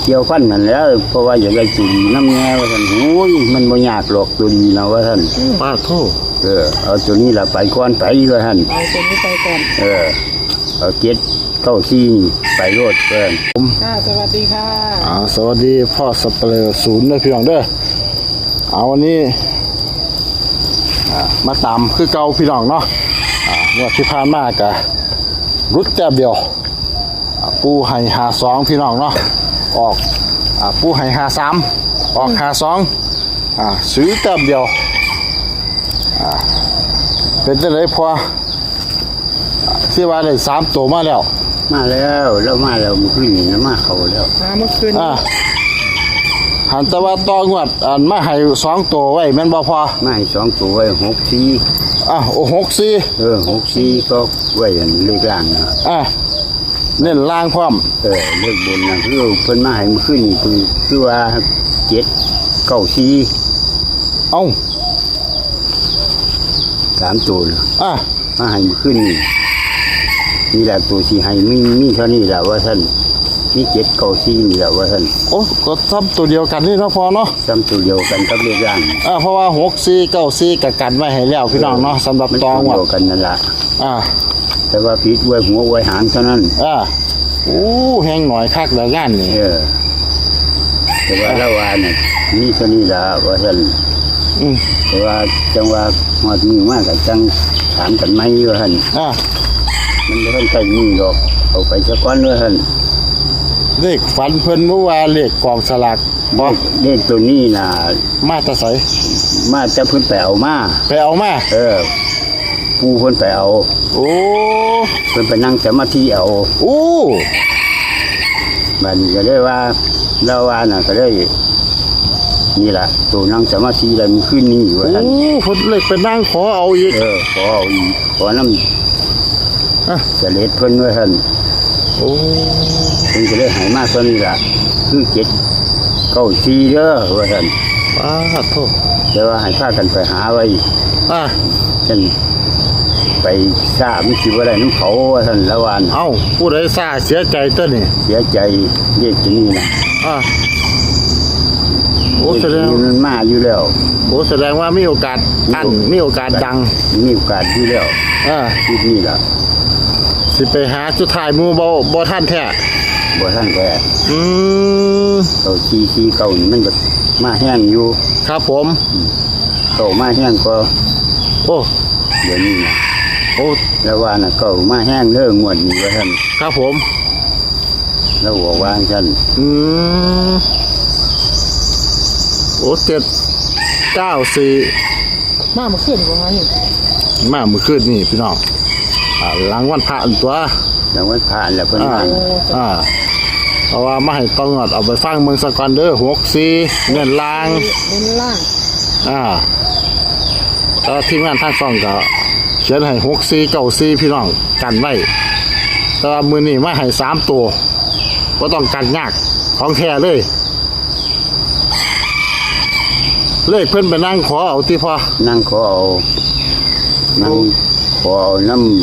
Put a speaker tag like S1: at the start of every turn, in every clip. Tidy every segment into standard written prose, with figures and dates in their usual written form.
S1: เกี่ยวฟันนั่นแหล้วเพราะว่าอยากได้ตัวดีน้ำแง่ว่าท่านโอ้ยมันบ่ยากหรอกตัวดีนะว่าท่าน
S2: ป้าโทษ
S1: เอาตัวนี้ละไปก่อนไปว่าท่าน
S3: เอาตัวนี้ไปก่อน
S1: เอาเก็ดเข้าซีนไปโลดเพิ่น
S3: ค่ะสวัสดีค่ะ
S2: สวัสดีพ่อสเปรย์ศูนย์เด้อพี่น้องเด้อวันนี้มาตามคือเก่าพี่น้องเนาะงวดที่ผ่านมากะรุดแต้มเดียวปูให้52พี่น้องเนาะออกปูให้53ออก52ซื้อแต้มเดียวเป็นจังได๋พอที่ว่าได้3ตัวมาแล้ว
S1: มาแล้วมาแล้วมันขึ้นนี่นะมาเขาแล้ว
S3: มาเมื่อคืน
S2: หันแต่ว่าต่องวดมาให้2ตัวไว้แม่นบ่พอ
S1: มาให้2ตัวไว้64
S2: โอ้64
S1: 64ก็ไว้อันเลขล่างนะ
S2: เน้นล่างพร้อม
S1: เลขบนนะคือเพิ่นมาให้มันขึ้นนี่คือว่า7 9 4
S2: เอ้า
S1: 3ตัวนะ มาให้มันขึ้นนี่แหละตัวสีให้มีเท่านี้แหละว่าท่านนี่7 9 4นี่แหละว่าท่าน
S2: โอ้ก็ซ้ำตัวเดียวกันนี่เนาะพอเนาะ
S1: ซ้ำตัวเดียวกันกับเลขล่าง
S2: เพราะว่า64 94ก็กันไว้ให้แล้วพี่น้องเนาะสำหรับ
S1: มัน
S2: ตอง
S1: ตัว
S2: วด
S1: เดียวกันนั่นล่ะ
S2: อ่า
S1: แต่ว่าผิดไว้หัวไว้หางเท่านั้น
S2: โอ้แห้งหน่อยคักแล้วงานนี่
S1: แต่ว่าละวาเนี่ยมีเท่านี้ละว่าท่านแต่ว่าจังว่าหอดมือมากกับจังถามกันไหมว่าท่านมันไม่ต้องใช้มือหรอกเอาไปสักก้อนว่าท่าน
S2: เลขฝันเพิ่นเมื่อวานเลขกองสลากบ่
S1: เลขตัวนี้น่ะ
S2: มาแตะไส
S1: มาจะเพิ่นไปเอามา
S2: ไปเอามา
S1: ปูเพิ่นไปเอา
S2: โอ้
S1: เพิ่นไปนั่งสมาธิเอา
S2: โอ้
S1: มันก็ได้ว่าละวาน่ะก็ได้นี่ล่ะตัวนั่งสมาธิแล้วมันขึ้นนี่ว่าท่าน
S2: เพิ่นเลยไปนั่งขอเอาอีก
S1: ขอเอาอีกขอน้ำเสล็ดเพิ่นว่าท่าน
S2: โอ้
S1: เพิ่นก็เลยให้มาตัวนี้ล่ะคือ7 9 4เด้อว่าท่าน
S2: โทษ
S1: แต่ว่าให้พากันไปหาไว้ท่านไปทราบมันสิบ่ได้น้ำเขาว่าท่านละวาน
S2: เอ้าผู้ใดซ่าเสียใจตัวนี่
S1: เสียใจเรียกตัวนี้นะ
S2: โอ้แสดง
S1: มันมาอยู่แล้ว
S2: แสดงว่ามีโอกาสมีโอกาสดัง
S1: มีโอกาสอยู่แล้วคิดนี่ล่ะ
S2: สิไปหาสุดท้ายหมู่บ่ทันแท้
S1: บ่ท่านแก
S2: Ừ.
S1: เก่านี่มันก็มาแห้งอยู่
S2: ครับผม
S1: เก่ามาแห้งก็
S2: โอ้
S1: เดี๋ยวนี้นะ
S2: โอ้
S1: แล้วว่าน่ะเก่ามาแห้งเรื่องงวดนี้ว่าท่าน
S2: ครับผม
S1: แล้วบอกว่าท่าน
S2: โอ้794
S3: มาเมื่อคืนประมาณนี้
S2: มาเมื่อคืนนี่พี่น้องหลังวันพระอันตัว
S1: แล้ววันผ่านแล้วเพิ่นมา
S2: เอาว่ามาให้ต้องงอดเอาไปฟังเมืองสกอนเดอร์64เงินล้าง
S3: เน้นล่าง
S2: แล้วทีมงานทางช่องก็เขียนให้6494พี่น้องกันไว้แต่ว่ามื้อนี้มาให้3ตัวบ่ต้องกันยากของแท้เลยเลขเพิ่นไปนั่งขอเอาที่พอ
S1: นั่งขอเอานั่งขอเอาน้ำ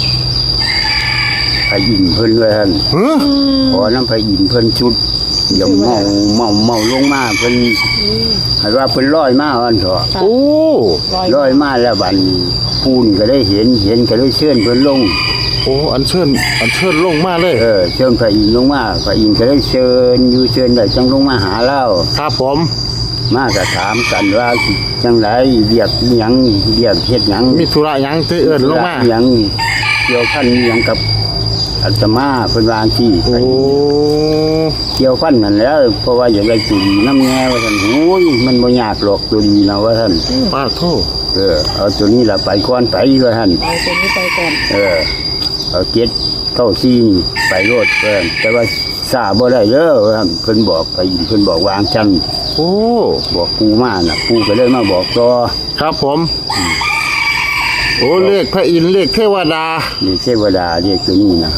S1: พระอินทร์เพิ่นว่าท่านขอน้ำพระอินทร์เพิ่นชุดอย่าเมาลงมาเพิ่นให้ว่าเพิ่นลอยมาอันเถอะ
S2: โอ้
S1: ลอยมาแล้วบัดนี้ปูนก็ได้เห็นก็ได้เชิญเพิ่นลง
S2: โอ้อันเชิญลงมาเลย
S1: เชิญพระอินทร์ลงมาพระอินทร์ก็ได้เชิญอยู่เชิญได้จังลงมาหาเรา
S2: ครับผม
S1: มาก็ถามกันว่าจังไดเรียกอิหยังเรียกเฮ็ดหยัง
S2: มีธุระหยังที่เอิ้นลงมา
S1: อิหยังเกี่ยวพันอิหยังกับอาตมาเพิ่นว่าที่
S2: โอ้
S1: เกี่ยวพันนั่นแหล้วเพราะว่าอยากได้ตัวดีน้ำแง่ว่าท่านโอ้ยมันบ่ยากหรอกตัวดีนะว่าท่าน
S2: ป้าโทษ
S1: เอาตัวนี้ละไปก่อนไปว่าท่าน
S3: เอาตัวนี้ไปก่อน
S1: เอา7 9 4ไปโลดแต่ว่าทราบบ่ได้เด้อว่าท่านเพิ่นบอกไปเพิ่นบอกวางจัน
S2: โอ้
S1: บอกปูมาน่ะปูก็เลยมาบอกต่อ
S2: ครับผมโอ้เลขพระอินทร์เลขเทวดา
S1: นี่เทวดาเรียกตัวนี้นะ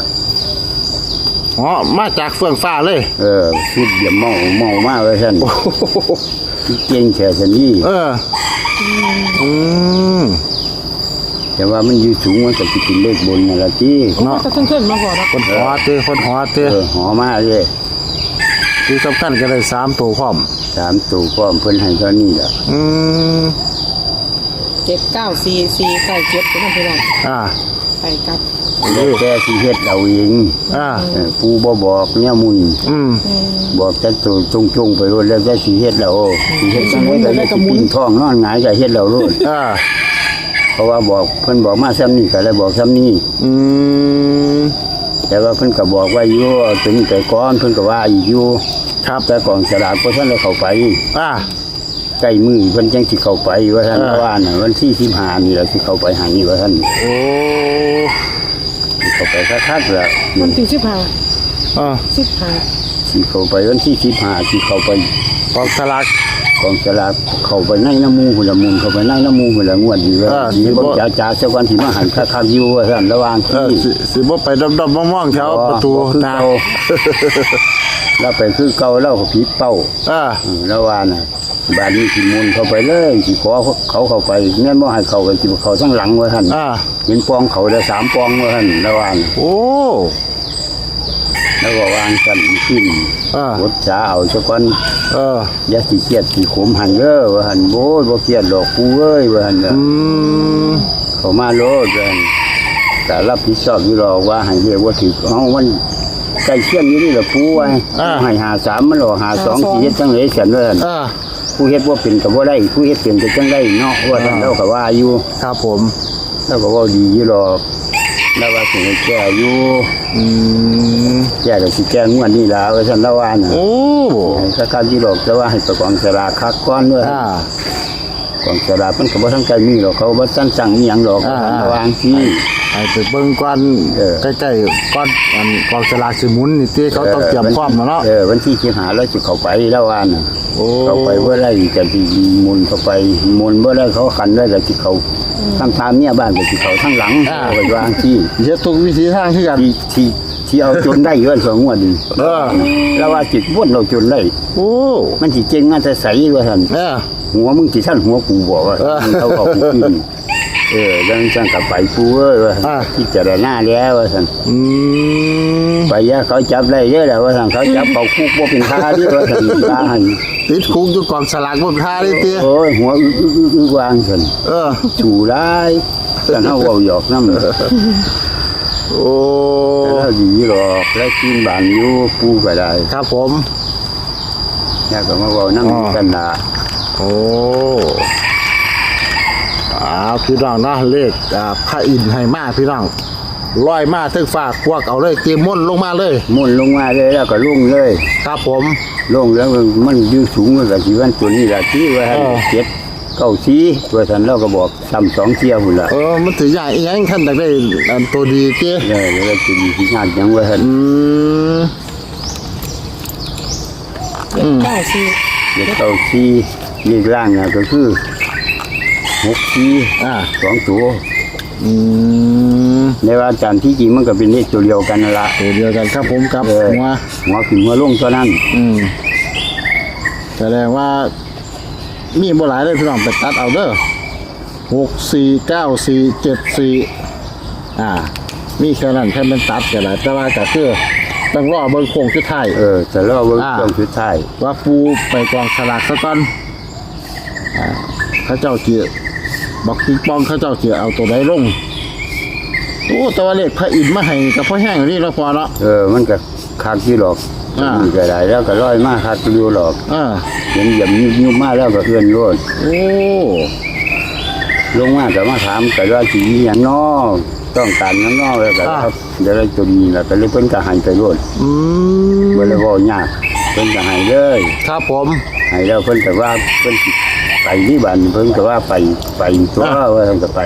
S2: มาจากเฟื่องฟ้าเลย
S1: ชุดเดี่ยมเมามาว่าท่านเก่งแค่ซั่นนี้ แต่ว่ามันอยู่สูงมันก็สิเป็นเลขบนนั่นล่ะติ
S3: ก็จะขึ้นมาก่อนนะ
S2: คนหอเต
S1: หอมาเลย
S2: ที่สำคัญก็ได้3ตัวพร้อม
S1: 3ตัวพร้อมเพิ่นให้เท่านี้ล่ะ
S3: 7944ใส่เจ็ดเป็นพี่น้อง ไปครับ
S1: แล้วแต่สิเฮ็ดเอาเอง ปู่บ่บอกเนี่ยมุนบอกแต่ตัวจงๆไปโลดแล้วแต่สิเฮ็ดแล้วสิเฮ็ดจังได๋ก็ได้สิปิ้นท้องนอนหงายก็เฮ็ดแล้วโลดเพราะว่าบอกเพิ่นบอกมาซ้ำนี้ก็เลยบอกซ้ำนี้แต่ว่าเพิ่นก็บอกว่าอยู่ถึงแต่ก่อนเพิ่นก็ว่าอีกอยู่ครับแต่กองสลากบ่ทันได้เข้าไปใกล้มือเพิ่นจังสิเข้าไปว่าท่านว่าน่ะวันที่15นี่แหละสิเข้าไปหานี่ว่าท่านเข้าไปคักๆล่ะ
S3: วันที่15
S1: สิเข้าไปวันที่15สิเข้าไป
S2: กองสลาก
S1: เข้าไปในน้ำมูหุ่นละมุนเข้าไปในน้ำมูหุ่นละงวดดีว่าสิบ่จ๋าๆสักวันสิมาหันคักๆอยู่ว่าท่านระวังที่
S2: สิบ่ไปดำๆมองๆแถวประตูนา
S1: เราไปคือเก่าเราก็ผิดเป้าระวังน่ะบ้านนี้สิมุนเข้าไปเลยสิขอเขาเข้าไปแม่นบ่ให้เข้าไปสิเขาทั้งหลังว่าท่านเห็นปองเขาได้3ปองว่าท่านระวังแล้วก็วางกันขึ้นรถช้าเอาซะก่อนอย่าสิเครียดสิขมหันเด้อว่าหั่นโอ้ยบ่เครียดดอกกูเอ้ยว่าหั่นเข้ามาโลดว่าหั่นแต่รับผิดชอบอยู่หรอกว่าให้เรียกว่าถึกเฮามันใกล้เคียงอยู่นี่ล่ะปูไว้ให้53มันหรอ52สิเฮ็ดจังได๋ซั่นว่าหั่นผู้เฮ็ดบ่เป็นก็บ่ได้ผู้เฮ็ดเป็นก็จังได้เนาะว่าท่านเราก็ว่าอยู่
S2: ครับผม
S1: แล้วก็เว้าดีอยู่หรอกแล้วว่าสิแก้อยู่แก้ก็สิแก้งวดนี้ล่ะว่าซั่นละว่าน่ะถ้าการที่หรอกแต่ว่าให้ประกองสลากคักก่อนเด้อกองสลากมันก็บ่ทันใจมีหรอกเขาบ่ทันสั่งอีหยังหรอกระวังสิ
S2: ให้ไปเบิ่งก่อนใกล้ๆก่อนกองสลากสิหมุนนี่ติเขาต้องเตรียมพร้อมเนาะ
S1: วันที่15แล้วสิเข้าไปแล้วว่าน่ะเข้าไปบ่ได้ก็สิหมุนเข้าไปหมุนบ่ได้เขาขันได้ก็สิเข้าทั้งทางเมียบ้านก็สิเข้าทั้งหลังไปวางที่
S2: เฮ็ดทุกวิธีทางคือกัน
S1: ที่เอาจนได้เงิน2งวดนี่แล้วว่าจิตวนเราจนได้มันสิเจ๋งมาแต่ใสว่าซั่นหัวมึงสิท่านหัวกูบอกว่าเขาเอากูกินยังจังกับไปปูเอ้ยว่าที่จะได้หน้าแล้วว่าซั่นไปยะเขาจับได้เยอะแล้วว่าซั่นเขาจับเขาคุกบ่เป็นท่าดิว่าซั่นตาหัน
S2: ติดคุกอยู่กองสลากบ่เป็นท่าดิติ
S1: โอ้ยหัวอึวางซั่นชูร้ายซั่นเฮาเว้าหยอกนำแล้วดีหรอกแล้วกินบ้านอยู่ปูก็ได้
S2: ครับผม
S1: แล้วก็มาเว้านำกันล่ะ
S2: พี่น้องเนาะเลขพระอินทร์ให้มาพี่น้องลอยมาถึงฝากพวกเอาเลยเตรียมม่นลงมาเลย
S1: ม่นลงมาเลยแล้วก็ลุ่งเลย
S2: ครับผม
S1: ลงแล้วมันยืดสูงมันก็สิวันตัวนี้ล่ะที่ว่า7 9 4ว่าท่านเราก็บอกซ้ำ2เที่ยวพุ่นล่ะ
S2: มันถือใหญ่อีหยังท่านได้ตัวดีเจ้
S1: แล้วตัวดีสิงานยังว่าท่าน9 4เลขล่างน่ะก็คือ6 4 2ตัวในว่าอาจารย์ที่จริงมันก็เป็นเลขตัวเดียวกันนั่นละ
S2: ตัวเดียวกันครับผมครับ
S1: หัวขึ้นหัวลงเท่านั้น
S2: แสดงว่ามีบ่หลายเลยพี่น้องไปตัดเอาเด้อ6 4 9 4 7 4มีแค่นั้นแค่เป็นตัดกันแหละแต่ว่าก็คือต้องรอเบิ่งโค้งสุดท้าย
S1: จะรอเบิ่งโค้งสุดท้าย
S2: ว่าปูไปกองสลากซะก่อนเขาเจ้าเกี่ยบอกปิงปองเขาเจ้าเกี่ยเอาตัวใดลงแต่ว่าเลขพระอินทร์มาให้กับพ่อแห้งนี่เราพอเนาะ
S1: มันก็คักที่หรอกมันก็ได้แล้วก็ร้อยมากคักอยู่หรอกเห็นหยับยุ่มากแล้วก็เอื้อนรดลงมาแต่มาถามแต่ว่าสีอย่างนอกต้องการอย่างนอกแล้วก็ครับเดี๋ยวเราจะมีแล้วก็เลยเพิ่นก็หายไปรดเมื่อไรว่ายากเพิ่นก็หายเลย
S2: ครับผม
S1: หายแล้วเพิ่นแต่ว่าเพิ่นไปที่บ้านเพิ่นก็ว่าไปตัวว่าเพิ่นก็ไป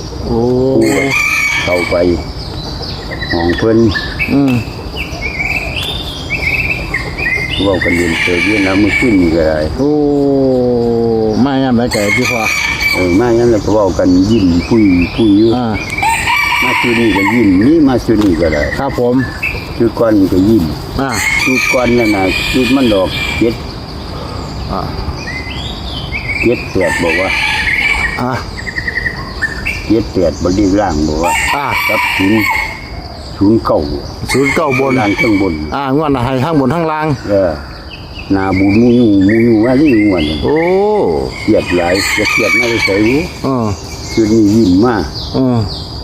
S1: เข้าไปห้องเพิ่นว่ากันเรียนเจอเยอะนะมันขึ้นก็ได้
S2: ไม่งั้นไม่แก่ที่พอ
S1: ไม่งั้นเราก็ว่ากันยิ้มพุยอยู่มาชุนี่ก็ยิ้มนี่มาชุนี่ก็ได้
S2: ครับผม
S1: ชุดก้อนก็ยิ้มชุดก้อนนั่นนะชุดมันดอกเจ็ดบอกว่า7 บริล่างบอกว่ากับศูนย์เก่า
S2: บน
S1: ล่างข้างบน
S2: งวดให้ข้างบนข้างล่าง
S1: หนาบูดมูยูว่าที่งวน
S2: โอ้
S1: เครียดหลายจะเครียดไม่ได้ใส่หู
S2: เออ
S1: คือนี่ยิ้มมาก
S2: เออ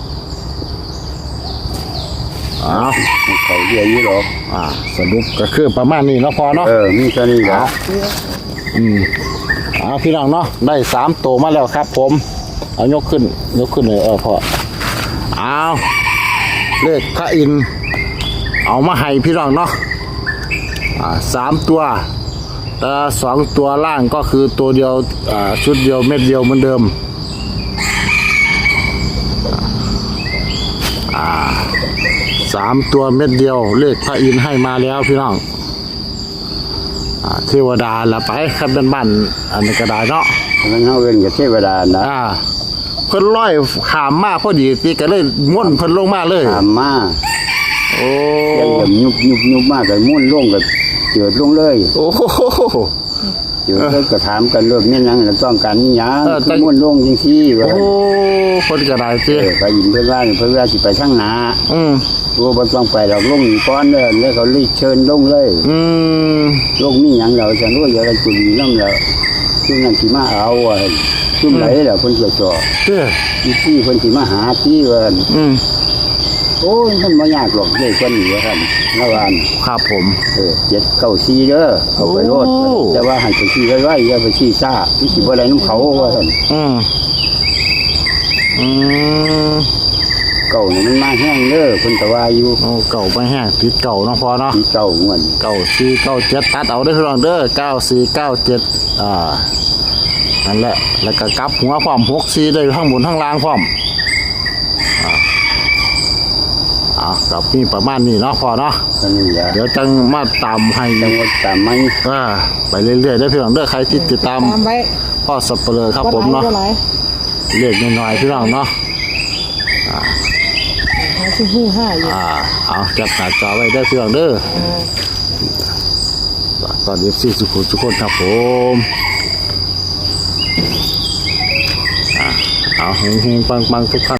S2: เอา
S1: เขาเรียกยี่หรอก
S2: สรุปก็คือประมาณนี้เนาะพอเนาะ
S1: มีแค่นี้แล้ว
S2: พี่น้องเนาะได้3ตัวมาแล้วครับผมเอายกขึ้นเลยพอเอาเลขพระอินทร์เอามาให้พี่น้องเนาะ3ตัวแต่2ตัวล่างก็คือตัวเดียวชุดเดียวเม็ดเดียวเหมือนเดิม3ตัวเม็ดเดียวเลขพระอินทร์ให้มาแล้วพี่น้องเทวดาละไปครับบ้านอันนี้ก็ได้เนาะ
S1: มันเอาเงินกับเทวดานะ
S2: เพิ่นร้อยขามมาพอดีตีก็เลยม้วนเพิ่นลงมาเลย
S1: ตามมา
S2: โอ้
S1: ยังแบบยุบมากกับมุ่นลงกับเจิดลงเลย
S2: โอ้โห
S1: เจิดเลยก็ถามกันเรื่องนี้ยังต้องการนี่ยังคือมุ่นลงจริงสิว่า
S2: โอ้คนก็ได้เจ้
S1: ไปยินเพื่อนว่าสิไปช่างหนา ว่าบ่ต้องไปเราลงก้อนเลยแล้วเขารีเชิญลงเลยลงนี่ยังเราจะรู้อย่าอะไรจุลีน้ำเราซึ่งนั่นสิมาเอาซุ่มไหนเราคนจ่อ
S2: เจ้
S1: ที่คนสิมาหาที่ว่าโอ้ยมันไม่ยากหรอกเลยคนนี้ว่าท่านละวัน
S2: ครับผม
S1: 794เด้อเอาไปโลดแต่ว่าให้ไปชี้ไว้อย่าไปชี้ซ่าที่สิบ่ได้น้ำเขาว่าท่านเก่านี่มันมาแห้งเด้อคนตะวาอยู่
S2: โอ้เก่าไม่แห้งติดเก่าเนาะพอเนาะ
S1: ที่เก่าเงิน
S2: 9497ตัดเอาได้พี่น้องเด้อ9497นั่นแหละแล้วก็กลับหัวพร้อม64ได้ทั้งบนทั้งล่างพร้อมกับมีประมาณนี้เนาะพอเนาะ
S1: ก็นี่แหละ
S2: เดี๋ยวจังมาตามให้
S1: จังหวัดตามไม่
S2: ไปเรื่อยๆได้พี่น้องเด้อใครที่ติดตาม
S3: ตามไว้
S2: พ่อสับเปลือครับผมเนาะ
S3: บ่หลาย
S2: เลขน้อยๆพี่น้องเนาะ
S3: หาที่หู้ห้าอยู่
S2: เอาจับหน้าจอไว้ได้พี่น้องเด้อตอนนี้4ทุกคนครับผมเอาเฮงๆปังๆทุกท่าน